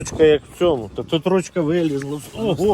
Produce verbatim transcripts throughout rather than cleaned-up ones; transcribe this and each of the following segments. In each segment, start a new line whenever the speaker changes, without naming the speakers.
Ручка як в цьому, та тут ручка вилізла. Ого!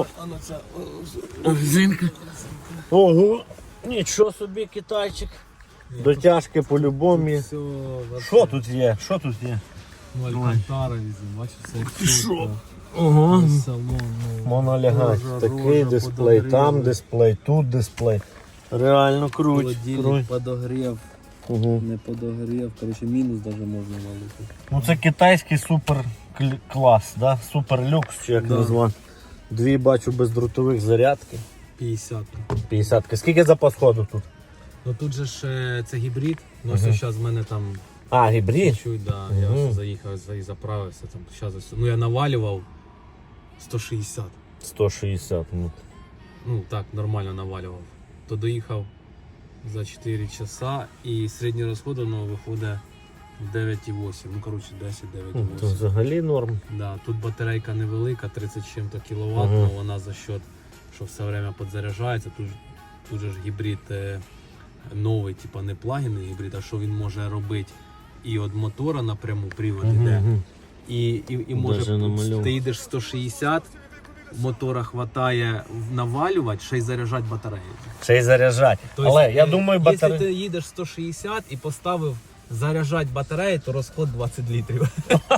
Резинка. Ого! Нічого собі, китайчик. Дотяжки по-любому. Що тут є? Що тут є?
Ну, Алькантара візьмемо, бачиш, це
Що? Ого.
салон.
Монолягать. Такий дисплей, там дисплей, тут дисплей. Реально круть.
Холодильник подогрів,
Угу.
не подогрів, коротше мінус навіть можна валити.
Ну це китайський супер клас, да? Супер люкс, чи як
Да.
назвати. Дві бачу бездротових зарядки.
п'ятдесят.
п'ятдесятки. Скільки запас ходу тут?
Ну тут же ж е, це гібрид, ну
Мгм.
ось зараз в мене там
А, гібрид?
чуть, да, я
Мгм.
ось заїхав за- і заправився там. Щас ось, ну я навалював сто шістдесят.
сто шістдесят. Ну.
Ну так, нормально навалював. То доїхав за чотири часа і середній розход воно виходить дев'ять і вісім. Ну коротше десять дев'ять і
Ну, то
вісім.
взагалі норм.
Да, тут батарейка невелика, тридцять з чим-то кіловат,
Ага.
але вона за счет, що все время підзаряджається. Тут, ж- тут же ж гібрид е, новий, типа не плагінний гібрид, а що він може робити і від мотора напряму привод іде.
Мгм.
І, і, і може
Даже намальовано.
ти їдеш сто шістдесят, мотора хватає навалювати, ще й заряджати батарею.
Ще й заряджати.
Тобто,
Але я
е,
думаю,
якщо
батарея...
ти їдеш сто шістдесят і поставив заряджати батарею, то розход двадцять літрів.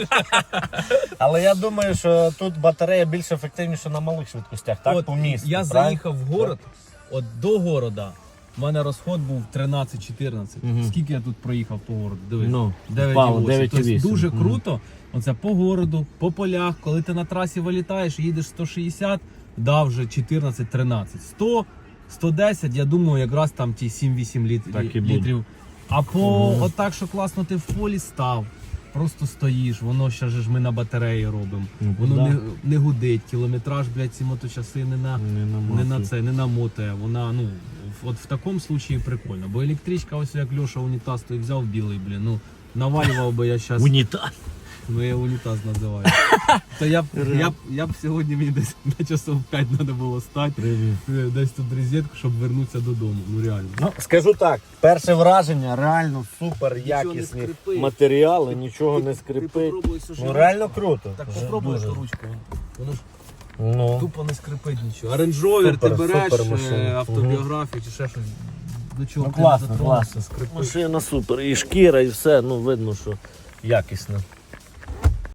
Але я думаю, що тут батарея більш ефективніша на малих швидкостях, так?
От,
По місту.
я
правильно?
заїхав в город, от до города в мене розход був тринадцять чотирнадцять.
Мгм.
Скільки я тут проїхав по городу? Дивись.
Ну,
дев'ять і
впало,
вісім.
дев'ять і
Тобто
вісім.
дуже
Мгм.
круто. Оце по городу, по полях, коли ти на трасі вилітаєш, їдеш сто шістдесят, дав вже чотирнадцять тринадцять. сто, сто десять, я думаю, якраз там ті сім-вісім літ-
Так і буде.
літрів. А по
Мгм.
отак, що класно ти в полі став, просто стоїш, воно ще ж ми на батареї робимо.
Ну,
Воно
да.
не, не гудить, кілометраж, блядь, ці моточаси не на,
Не
не
наматує.
на це, не намотає. Вона, ну, в- от в такому случаї прикольно. Бо електричка, ось як Льоша унітаз, той взяв білий, блін, ну, навалював би я зараз,
Унітаз.
ну я унітаз називаю. То я б, я б, я б сьогодні мені десь на часов п'ять треба було стати, е, десь тут розетку, щоб вернутися додому, ну реально.
Ну, скажу так, перше враження, реально супер
не
якісні
скрипить.
матеріали, нічого не скрипить. Ну реально круто.
Так
Вже
попробуй
дуже.
ту ручку. Воно ж
Ну,
тупо не скрипить нічого. А Range Rover ти
Супер,
береш,
супер машина.
е, автобіографію чи ще щось. До чого
ну
ти
класно,
дотронешся,
класно.
скрипить.
Машина супер. І шкіра, і все, ну видно, що якісна.